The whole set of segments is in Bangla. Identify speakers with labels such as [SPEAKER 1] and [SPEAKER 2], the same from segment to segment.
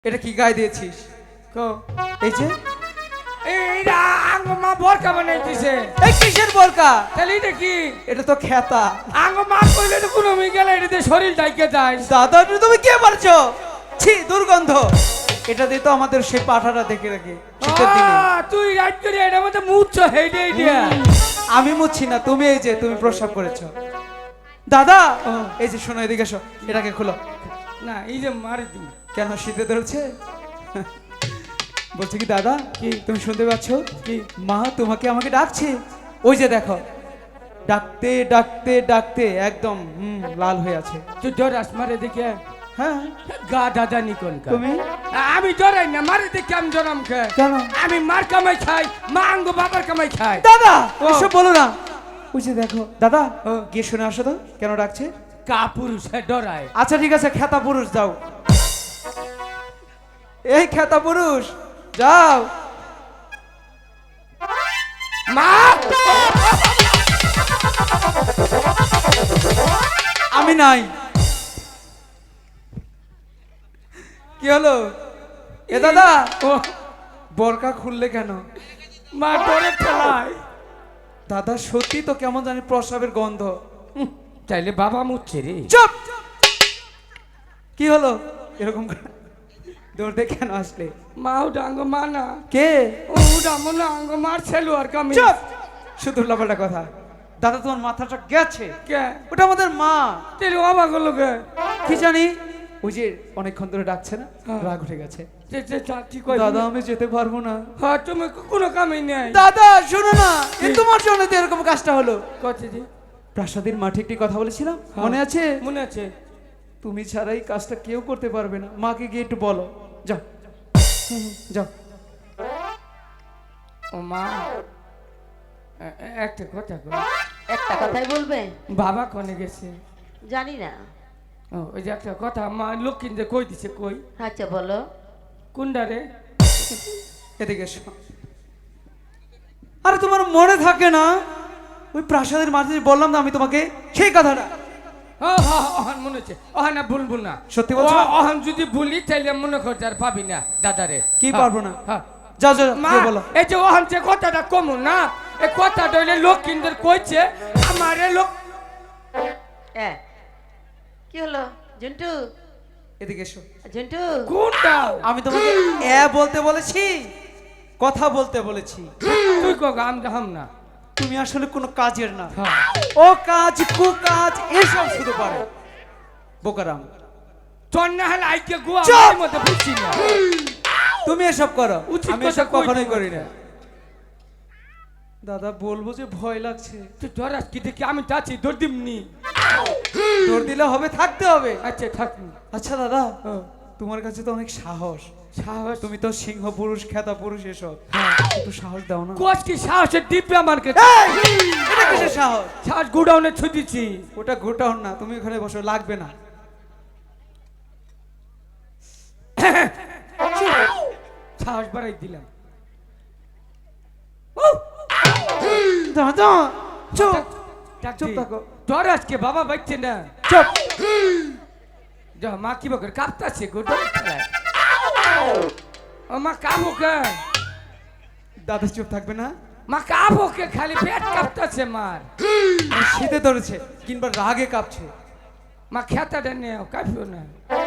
[SPEAKER 1] এটা কি গায়ে দিয়েছিস? এই যে
[SPEAKER 2] এইটা আঙ্গ মা বোরকা বানাইতেছে।
[SPEAKER 1] এই কিসের বোরকা?
[SPEAKER 2] তাহলে এটা কি?
[SPEAKER 1] এটা তো খেতা।
[SPEAKER 2] আঙ্গ মা কইলে তো কোনো মি গেলে এটাতে শরীর ডাইকে যায়।
[SPEAKER 1] দাদা তুমি কি পারছো? ছি দুর্গন্ধ। এটা দিয়ে তো আমাদের সেই পাঠাটা দেখে রাখি শীতের দিনে।
[SPEAKER 2] তুই রাইট করে এটার মধ্যে মুচ্ছ হেইডে দিয়া।
[SPEAKER 1] আমি মুচ্ছি না, তুমি এই যে তুমি প্রস্রাব করেছো। দাদা এই যে শোনো এদিকে এসো, এটাকে খোলো।
[SPEAKER 2] না এই যে মারি তুমি।
[SPEAKER 1] কেন শীতে ধরেছে? বলছি কি দাদা, কি তুমি শুনতে পাচ্ছ? কি মা তোমাকে আমাকে ডাকছে। ওই যে দেখো, ডাকতে ডাকতে ডাকতে একদম লাল হয়ে আছে।
[SPEAKER 2] তুই ডরাস মারে দেখে?
[SPEAKER 1] হ্যাঁ
[SPEAKER 2] গা দাদা নিকন কা
[SPEAKER 1] তুমি?
[SPEAKER 2] আমি ডরাই না, মারে দেখে আমি ডরাম কে?
[SPEAKER 1] কেন?
[SPEAKER 2] আমি মার কামাই খাই, মা আঙ্গ বাবার কামাই খাই।
[SPEAKER 1] দাদা এসব বলো না। ওই যে দেখো দাদা, গিয়ে শুনে আসো তো কেন ডাকছে।
[SPEAKER 2] কা পুরুষ ডরায়?
[SPEAKER 1] আচ্ছা ঠিক আছে, খেতা পুরুষ যাও। এই খেতা পুরুষ যাও।
[SPEAKER 2] মা
[SPEAKER 1] আমি নাই। কি হলো? এ দাদা বোরকা খুললে কেন?
[SPEAKER 2] মা ডরে ফেলায়।
[SPEAKER 1] দাদা সত্যি তো কেমন জানি প্রস্রাবের গন্ধ।
[SPEAKER 2] চাইলে বাবা মুচ্ছে রে।
[SPEAKER 1] চুপ! কি হলো এরকম দৌড় দিয়ে কেন আসলে?
[SPEAKER 2] মা ওটা আঙ্গ মা না।
[SPEAKER 1] কে?
[SPEAKER 2] ওটা মনে আঙ্গ মার ছেলু আর কামি।
[SPEAKER 1] চুপ! শুধু লাফাটা কথা। দাদা তোমার মাথাটা গেছে।
[SPEAKER 2] কে?
[SPEAKER 1] ওটা আমাদের মা।
[SPEAKER 2] তেলে বাবা গুলো কে?
[SPEAKER 1] কি জানি, ওই যে অনেকক্ষণ ধরে ডাকছে না, রাগ উঠে গেছে। দাদা আমি যেতে পারবো না।
[SPEAKER 2] হ্যাঁ তুমি কোনো কামই নেই।
[SPEAKER 1] দাদা শোনো না, এ তোমার জন্য তো এরকম কাজটা হলো।
[SPEAKER 2] কচ্ছে জি?
[SPEAKER 1] প্রাসাদের মাঠে একটি কথা বলেছিলাম, মনে আছে?
[SPEAKER 2] মনে আছে।
[SPEAKER 1] তুমি ছাড়া এই কাজটা কেউ করতে পারবে না। মাকে গিয়ে একটু বলো। যাও যাও।
[SPEAKER 2] ও মা একটা কথা কই।
[SPEAKER 3] একটা কথাই বলবে?
[SPEAKER 2] বাবা কোনে গেছে?
[SPEAKER 3] জানি না।
[SPEAKER 2] ও ওই যে একটা কথা মা লক্ষ্মীদের কই দিছে, কই?
[SPEAKER 3] আচ্ছা বলো।
[SPEAKER 2] কোনটা রে?
[SPEAKER 1] এদিকে এসো। আরে তোমার মনে থাকে না ওই প্রাসাদের মাঠে বললাম না আমি তোমাকে সেই কথাটা?
[SPEAKER 2] অহন মনে হচ্ছে। অহন না ভুলবো না।
[SPEAKER 1] সত্যি বলছো?
[SPEAKER 2] অহন যদি ভুলি তাইলে মনে করতে আর পাবি না দাদারে।
[SPEAKER 1] কি পারবো না?
[SPEAKER 2] হ্যাঁ
[SPEAKER 1] যাও যাও
[SPEAKER 2] মা
[SPEAKER 1] গিয়ে বলো।
[SPEAKER 2] এই যে ওহন যে কথাটা কমু না, এই কথাটা হইলে লক্ষ্মীদের কইছে আমারে লোক।
[SPEAKER 3] কি হলো জন্টু?
[SPEAKER 1] এদিকে এসো।
[SPEAKER 3] জন্টু
[SPEAKER 2] কোনটা?
[SPEAKER 1] আমি তোমাকে এ বলতে বলেছি, কথা বলতে বলেছি।
[SPEAKER 2] তুই কো গাম গাম না।
[SPEAKER 1] তুমি আসলে কোনো কাজের না।
[SPEAKER 2] হ্যাঁ।
[SPEAKER 1] ও কাজ কু কাজ এসব শুধু পারে বোকারাম।
[SPEAKER 2] তোর না হলে আইকে গোয়া
[SPEAKER 1] চুপ!
[SPEAKER 2] আমার মধ্যে বুঝছি না।
[SPEAKER 1] তুমি এসব করো,
[SPEAKER 2] উচিত
[SPEAKER 1] আমি
[SPEAKER 2] কথা
[SPEAKER 1] এসব
[SPEAKER 2] কই
[SPEAKER 1] কখনোই
[SPEAKER 2] দিবো।
[SPEAKER 1] করি না। দাদা বলবো যে ভয় লাগছে।
[SPEAKER 2] তুই ডরাস কি দেখি? আমি যাচ্ছি দৌড় দিমনি।
[SPEAKER 1] দৌড় দিলে হবে, থাকতে হবে।
[SPEAKER 2] আচ্ছা থাক।
[SPEAKER 1] আচ্ছা দাদা, তোমার কাছে তো অনেক সাহস।
[SPEAKER 2] সাহস?
[SPEAKER 1] তুমি তো সিংহ পুরুষ, খেতা পুরুষ, এসব একটু সাহস দাও না।
[SPEAKER 2] কোচ কি সাহসের দিব্য আমার কাছে?
[SPEAKER 1] এই, এটা কিসের সাহস?
[SPEAKER 2] সাহস গুডাউনে ছুটিছি।
[SPEAKER 1] ওটা গোটাও না, তুমি ওখানে বসো, লাগবে না।
[SPEAKER 2] সাহস বাড়াই দিলাম।
[SPEAKER 1] দাদা চুপ চুপ
[SPEAKER 2] চুপ
[SPEAKER 1] থাকো।
[SPEAKER 2] ডরাস কে? বাবা বাইছে না।
[SPEAKER 1] চুপ।
[SPEAKER 2] যা মা কি বকর কাঁপতাছে গুডাউন খেলায়। ও মা কাবো কে?
[SPEAKER 1] দাদা চুপ থাকবে না?
[SPEAKER 2] মা কাবো কে? খালি পেট কাঁপতাছে মার।
[SPEAKER 1] শীতে ধরেছে কিংবা রাগে কাঁপছে।
[SPEAKER 2] মা খেতাটা নেও, কাঁপিও না।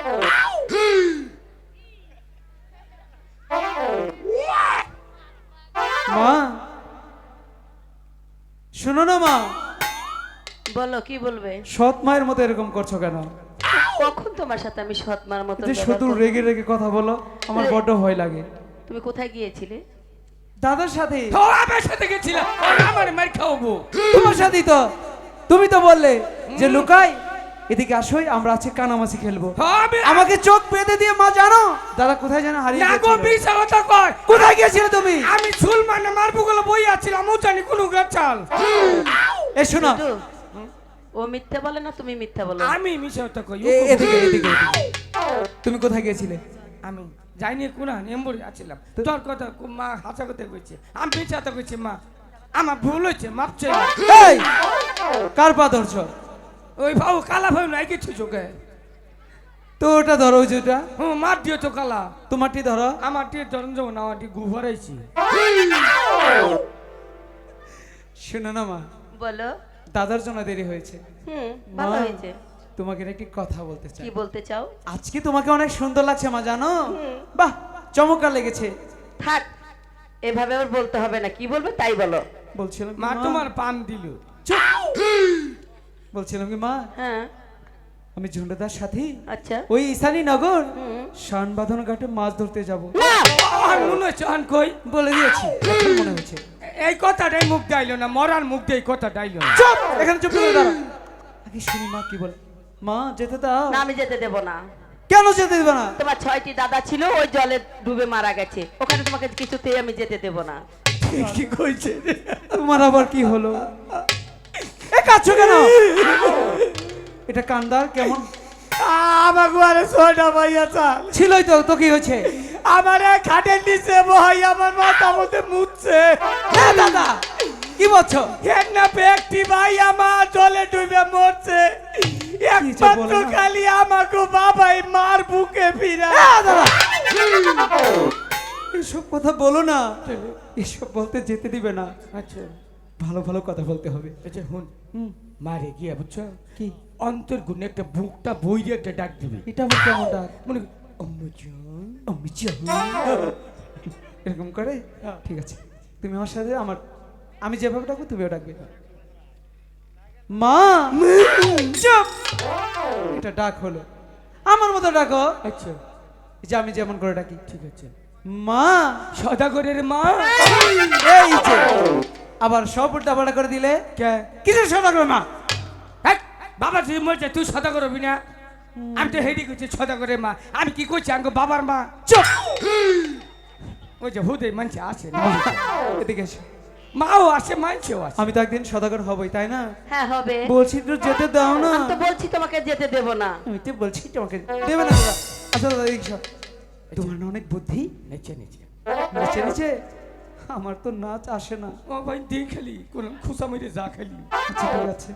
[SPEAKER 1] মা শোনো না মা,
[SPEAKER 3] বলো কি বলবে?
[SPEAKER 1] সৎ মায়ের মতো এরকম করছো কেন?
[SPEAKER 3] কখন তোমার সাথে আমি সৎমার মতো
[SPEAKER 1] যে
[SPEAKER 3] ব্যবহার
[SPEAKER 1] শুধু
[SPEAKER 3] করব?
[SPEAKER 1] রেগে রেগে কথা বলো, আমার বড্ড ভয় লাগে।
[SPEAKER 3] তুমি কোথায় গিয়েছিলে?
[SPEAKER 1] দাদার সাথে।
[SPEAKER 2] তো আমার সাথে গেছিলাম, আমার মার খাওয়াবো।
[SPEAKER 1] তোমার সাথেই তো। তুমি তো বললে যে লুকাই, এদিকে আসোই, আমরা আজকে কানামাছি খেলবো। আমাকে চোখ বেঁধে দিয়ে মা জানো দাদা কোথায় জানো হারিয়ে
[SPEAKER 2] না গো,
[SPEAKER 1] গেছিল।
[SPEAKER 2] মিছা কথা কয়।
[SPEAKER 1] কোথায় গিয়েছিলে তুমি?
[SPEAKER 2] আমি চুল মানে মারবো গুলো বই আছিলাম, ও জানি কোন গাছাল।
[SPEAKER 1] এ শোনো,
[SPEAKER 3] জন্টু, ও মিথ্যা বলে না তুমি মিথ্যা বলো?
[SPEAKER 2] আমি মিছা কথা কই।
[SPEAKER 1] এদিকে এদিকে এদিকে। তুমি কোথায় গিয়েছিলে?
[SPEAKER 2] আমি যাইনি কোনা নেম্বরে আছিলাম। তোর কথা মা হাসা কথা কইছে, আমি মিছা কথা কইছি। মা আমার ভুল হয়েছে, মাপ চাই।
[SPEAKER 1] এই কার পা ধরছো?
[SPEAKER 2] ওই ভাও কালা ভাই নাই কিছু চোখে।
[SPEAKER 1] তো ওটা ধরো, ওই যেটা
[SPEAKER 2] হুম মার দিও তো কালা
[SPEAKER 1] তোমারটি ধরো।
[SPEAKER 2] আমার টিয়ে ধরন যাবো না আমার টিয়ে গুভারাইছি
[SPEAKER 1] শোনো না মা,
[SPEAKER 3] বলো।
[SPEAKER 1] দাদার জন্য দেরি হয়েছে।
[SPEAKER 3] ভালো
[SPEAKER 1] মা,
[SPEAKER 3] হয়েছে।
[SPEAKER 1] তোমাকে একটি কথা বলতে চাই।
[SPEAKER 3] কি বলতে চাও?
[SPEAKER 1] আজকে তোমাকে অনেক সুন্দর লাগছে মা, জানো? বাহ, চমৎকার লেগেছে।
[SPEAKER 3] থাক, এভাবে ওর বলতে হবে না, কি বলবে তাই বলো।
[SPEAKER 1] বলছিলাম
[SPEAKER 2] মা
[SPEAKER 1] কি,
[SPEAKER 2] তোমার পান দিল
[SPEAKER 1] বলছিলাম কি মা,
[SPEAKER 3] হ্যাঁ
[SPEAKER 1] আমি ঝুন্ডাদার সাথে
[SPEAKER 3] আচ্ছা।
[SPEAKER 1] ওই ঈশানী নগর
[SPEAKER 3] হুম।
[SPEAKER 1] শানবাঁধন ঘাটে মাছ ধরতে যাব।
[SPEAKER 3] না,
[SPEAKER 2] আর মনে হচ্ছে আন কই
[SPEAKER 1] বলে দিয়েছি, এখন মনে হচ্ছে।
[SPEAKER 2] এই কথাটাই মুখ দাইলো না, মরার মুখ দিয়ে এই কথা ডাইলো না।
[SPEAKER 1] চুপ, এখানে চুপ করে দাঁড়া। আগে শুনি মা কি বলে। মা যেতে দাও।
[SPEAKER 3] না, আমি যেতে দেব না।
[SPEAKER 1] কেন যেতে দিবে না?
[SPEAKER 3] তোমার 6টি দাদা ছিল, ওই জলে ডুবে মারা গেছে, ওখানে তোমাকে কিছুতেই আমি যেতে দেব না।
[SPEAKER 2] কি কইছে
[SPEAKER 1] তোমার আবার কি হলো? এ কাচ্ছ কেন? এটা কান্দার কেমন
[SPEAKER 2] আমার ঘরে ছোটা ভাইয়া চাল
[SPEAKER 1] ছিলই তো, তো কি হয়েছে?
[SPEAKER 2] আমার খাটের নিচে ভাই আমার মাথা মধ্যে মুছছে।
[SPEAKER 1] এ দাদা, কি বলছো?
[SPEAKER 2] এর না ব্যক্তি ভাই আমার জলে ডুবে মরছে, একমাত্র
[SPEAKER 1] বলে না?
[SPEAKER 2] খালি আমাকে বাবাই মার বুকে ফিরা।
[SPEAKER 1] এ দাদা, এসব কথা বলো না, এসব বলতে যেতে দিবে না।
[SPEAKER 2] আচ্ছা
[SPEAKER 1] ভালো ভালো কথা বলতে হবে।
[SPEAKER 2] আচ্ছা হুন,
[SPEAKER 1] হুম,
[SPEAKER 2] মারে গিয়া বুঝছো
[SPEAKER 1] কি
[SPEAKER 2] অন্তর গুণে একটা বুকটা বইরে একটা ডাক দিবি,
[SPEAKER 1] এটা আমার কেমন ডাক?
[SPEAKER 2] মনে করি, অম্মুজান।
[SPEAKER 1] আমি এরকম করে? ঠিক আছে, তুমি আমার সাথে আমি যেভাবে ডাকবো তুমিও ডাকবে। মা, চুপ। এটা ডাক হলো, আমার মতো ডাকো।
[SPEAKER 2] আচ্ছা
[SPEAKER 1] এই যে আমি যেমন করে ডাকি।
[SPEAKER 2] ঠিক আছে।
[SPEAKER 1] মা,
[SPEAKER 2] সদাগরের মা।
[SPEAKER 1] এই যে আবার সব উল্টাপাল্টা করে দিলে।
[SPEAKER 2] কে
[SPEAKER 1] কিসের সদা করে মা?
[SPEAKER 2] হেই, বাবা তুই বলছে তুই সদাগর হবি না? আমি তো হেডি করছি সদাগরের মা, আমি কি করছি আঙ্গ বাবার মা?
[SPEAKER 1] চুপ।
[SPEAKER 2] ওই যে হুদে মানছে আসে না,
[SPEAKER 1] এদিকে এসো।
[SPEAKER 2] মাও আসে মানছেও আসে।
[SPEAKER 1] আমি তো একদিন সদাগর হবই, তাই না?
[SPEAKER 3] হ্যাঁ হবে।
[SPEAKER 1] বলছি তো যেতে দাও না।
[SPEAKER 3] আমি তো বলছি তোমাকে যেতে দেব না।
[SPEAKER 1] আমি তো বলছি তোমাকে দেবে না দাদা। আচ্ছা দাদা, এদিকে এসো। তোমার না অনেক বুদ্ধি।
[SPEAKER 2] নিচে নিচে
[SPEAKER 1] নিচে নিচে আমার তো নাচ আসে না।
[SPEAKER 2] ও ভাই দিয়ে খেলি কোন খুশা মেরে যা খেলি।
[SPEAKER 1] আচ্ছা ঠিক আছে।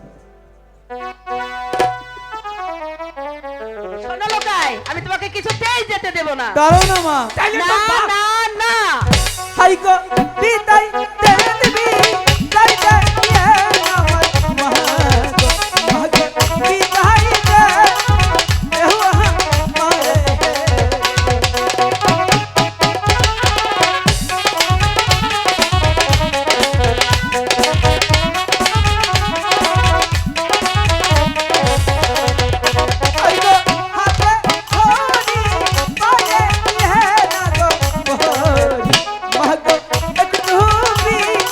[SPEAKER 3] শোনো লোকাই, আমি তোমাকে কিছুতেই যেতে দেব না।
[SPEAKER 1] দাঁড়াও না মা।
[SPEAKER 2] তাইলে
[SPEAKER 3] না
[SPEAKER 2] তো বাপ
[SPEAKER 3] না না।
[SPEAKER 1] হাই গো বিদায় দে দিবি, তাই দে আমার মা গো, মা গো বিদায় দে আমারে। হাই গো হাতে ধরি পায়ে ইহে না গো, মা গো একটু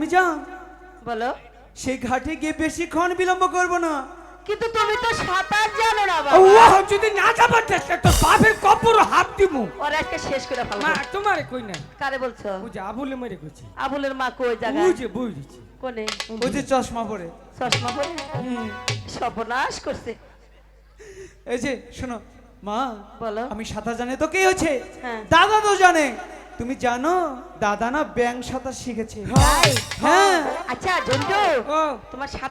[SPEAKER 1] আমি যান
[SPEAKER 3] বলো।
[SPEAKER 1] সেই ঘাটে গিয়ে বেশিক্ষণ বিলম্ব করব না।
[SPEAKER 3] কিন্তু তুমি তো সাঁতার জানো না
[SPEAKER 2] ও
[SPEAKER 3] বাবা।
[SPEAKER 2] যদি না যাবার চেষ্টা তো বাপের কপুর হাত দিমু।
[SPEAKER 3] ওরা আজকে শেষ করে ফেলবো।
[SPEAKER 2] মা তোমারে কই না,
[SPEAKER 3] কারে বলছো?
[SPEAKER 2] ও যে আবুলে মেরে কইছি,
[SPEAKER 3] আবুলের মা কই
[SPEAKER 2] ও
[SPEAKER 3] জায়গায়?
[SPEAKER 2] যে বই দিছি।
[SPEAKER 3] কোনে?
[SPEAKER 1] ওই যে চশমা পরে।
[SPEAKER 3] চশমা পরে সর্বনাশ করছে।
[SPEAKER 1] এই যে শোনো মা,
[SPEAKER 3] বলো।
[SPEAKER 1] আমি সাঁতার জানি তো কি হয়েছে,
[SPEAKER 3] হ্যাঁ।
[SPEAKER 1] দাদা তো জানে। তুমি জানো দাদা না ব্যাং সাঁতার শিখেছে।
[SPEAKER 3] তাই?
[SPEAKER 1] হ্যাঁ।
[SPEAKER 3] আচ্ছা জন্টু,
[SPEAKER 2] ও
[SPEAKER 3] তোমার